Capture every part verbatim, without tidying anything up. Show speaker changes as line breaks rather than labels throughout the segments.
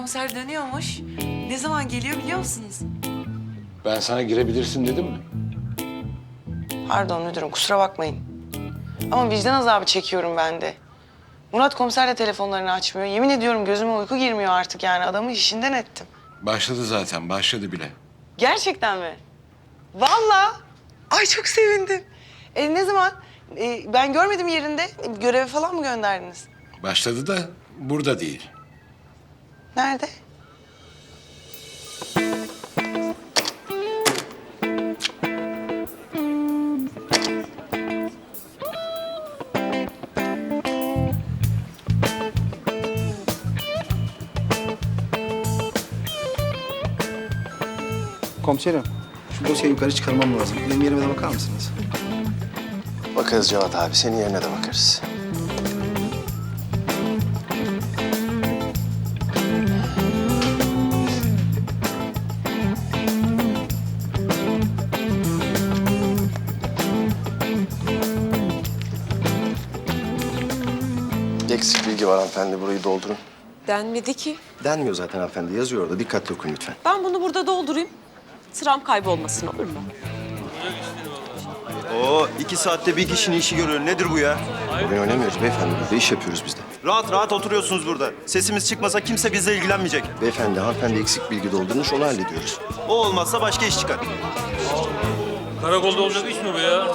komiser dönüyormuş. Ne zaman geliyor biliyor musunuz?
Ben sana girebilirsin dedim mi?
Pardon müdürüm, kusura bakmayın. Ama vicdan azabı çekiyorum ben de. Murat komiser de telefonlarını açmıyor. Yemin ediyorum gözüme uyku girmiyor artık yani. Adamı işinden ettim.
Başladı zaten, başladı bile.
Gerçekten mi? Vallahi. Ay çok sevindim. E, ne zaman? E, ben görmedim yerinde. E, göreve falan mı gönderdiniz?
Başladı da burada değil.
Nerede?
Komiserim, şu dosyayı yukarı çıkarmam lazım. Benim yerime de bakar mısınız?
Bakarız Cevat abi, senin yerine de bakarız. Eksik bilgi var hanımefendi, burayı doldurun.
Denmedi ki.
Denmiyor zaten hanımefendi, yazıyor orada. Dikkatli okuyun lütfen.
Ben bunu burada doldurayım. Sıram kaybolmasın olur mu?
Oo, iki saatte bir kişinin işi görüyor. Nedir bu ya?
Oyun oynamıyoruz beyefendi, burada iş yapıyoruz biz de.
Rahat rahat oturuyorsunuz burada. Sesimiz çıkmasa kimse bizle ilgilenmeyecek.
Beyefendi, hanımefendi eksik bilgi doldurmuş, onu hallediyoruz.
O olmazsa başka iş çıkar.
Karakolda olacak iş mi bu ya?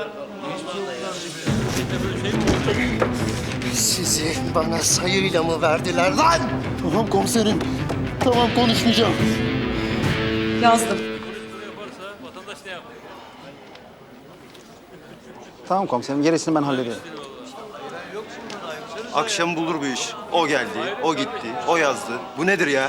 Sizi bana sayıyla mı verdiler lan? Tamam komiserim, tamam konuşmayacağım.
Yazdım.
Vatandaş ne yapar?
Tamam komiserim, gerisini ben hallederim.
Akşam bulur bu iş. O geldi, o gitti, o yazdı. Bu nedir ya?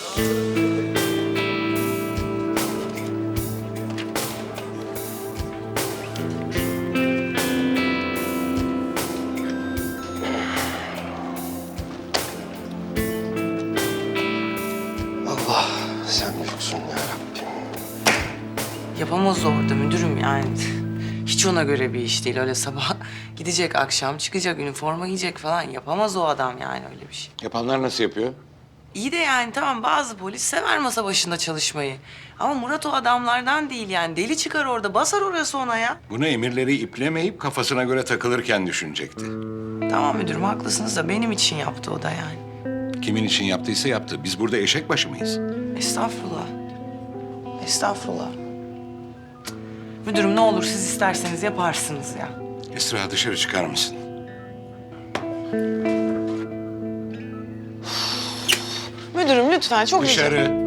Allah, sen büyüksün ya Rabbim.
Yapamaz orada müdürüm yani. Hiç ona göre bir iş değil. Öyle sabah gidecek, akşam çıkacak, üniforma giyecek falan. Yapamaz o adam yani öyle bir şey.
Yapanlar nasıl yapıyor?
İyi de yani tamam bazı polis sever masa başında çalışmayı. Ama Murat o adamlardan değil yani. Deli çıkar orada, basar orası ona ya.
Bunu emirleri iplemeyip kafasına göre takılırken düşünecekti.
Tamam müdürüm haklısınız da benim için yaptı o da yani.
Kimin için yaptıysa yaptı. Biz burada eşek başı mıyız?
Estağfurullah. Estağfurullah. Cık. Müdürüm ne olur siz isterseniz yaparsınız ya.
Esra dışarı çıkar mısın?
Müdürüm lütfen çok rica-
Dışarı.